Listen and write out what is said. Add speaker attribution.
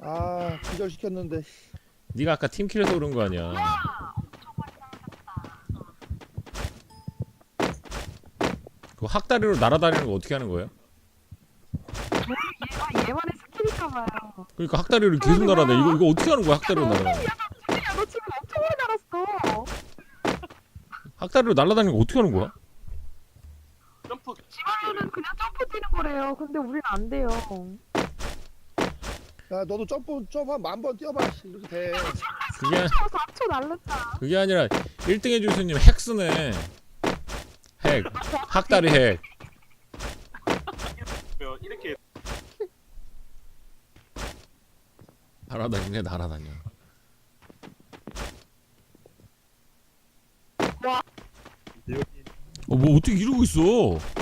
Speaker 1: 아 기절시켰는데.
Speaker 2: 네가 아까 팀킬해서 그런 거 아니야. 그 학다리로 날아다니는 거 어떻게 하는 거예요?
Speaker 3: 얘만의 스킬인가봐요.
Speaker 2: 그러니까 학다리로 계속 날아다니. 이거 어떻게 하는 거야? 학다리로 날아다니.
Speaker 3: 야너 지금 엄청 오래 날았어.
Speaker 2: 학다리로 날아다니는 거 어떻게 하는 거야?
Speaker 4: 점프.
Speaker 3: 지금은 그냥 점프 뛰는 거래요. 근데 우리는 안 돼요.
Speaker 1: 야 너도 점프 한 10,000번 뛰어봐. 이렇게 돼.
Speaker 2: 그게
Speaker 3: 4초 날랐다.
Speaker 2: 그게 아니라 1등해 주스님 핵 쓰네. 핵. 학다리 핵.
Speaker 4: 이렇게
Speaker 2: 날아다니네 날아다녀.
Speaker 3: 와.
Speaker 2: 뭐 어떻게 이러고 있어?